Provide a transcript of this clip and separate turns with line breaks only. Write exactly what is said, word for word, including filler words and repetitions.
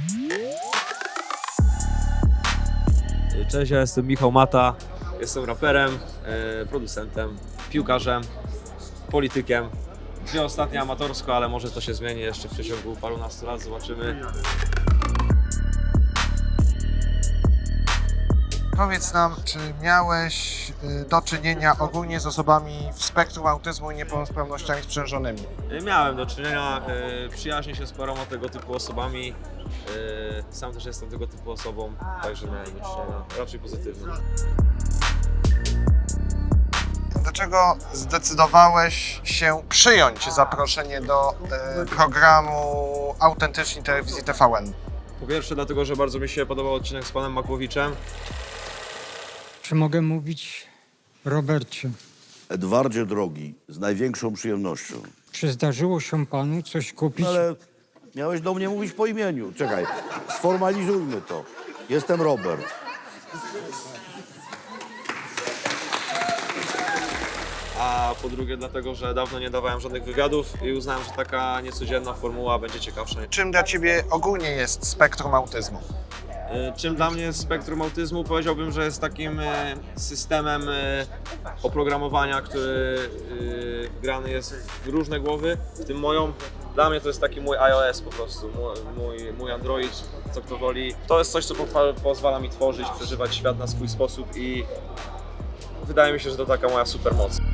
Cześć, ja jestem Michał Mata, jestem raperem, e, producentem, piłkarzem, politykiem. Nie ostatnio amatorsko, ale może to się zmieni jeszcze w przeciągu parunastu lat, zobaczymy.
Powiedz nam, czy miałeś y, do czynienia ogólnie z osobami w spektrum autyzmu i niepełnosprawnościami sprzężonymi?
E, Miałem do czynienia, e, przyjaźnię się z paroma tego typu osobami. E, Sam też jestem tego typu osobą, także miałem do czynienia raczej pozytywnie.
Dlaczego zdecydowałeś się przyjąć zaproszenie do y, programu Autentyczni Telewizji T V N?
Po pierwsze dlatego, że bardzo mi się podobał odcinek z panem Makłowiczem.
Czy mogę mówić Robercie?
Edwardzie drogi, z największą przyjemnością.
Czy zdarzyło się panu coś kupić?
No ale miałeś do mnie mówić po imieniu. Czekaj, sformalizujmy to. Jestem Robert.
A po drugie dlatego, że dawno nie dawałem żadnych wywiadów i uznałem, że taka niecodzienna formuła będzie ciekawsza.
Czym dla Ciebie ogólnie jest spektrum autyzmu?
Y, Czym dla mnie spektrum autyzmu? Powiedziałbym, że jest takim y, systemem y, oprogramowania, który y, wgrany jest w różne głowy, w tym moją. Dla mnie to jest taki mój iOS po prostu, mój, mój, mój Android, co kto woli. To jest coś, co po, pozwala mi tworzyć, przeżywać świat na swój sposób i wydaje mi się, że to taka moja supermoc.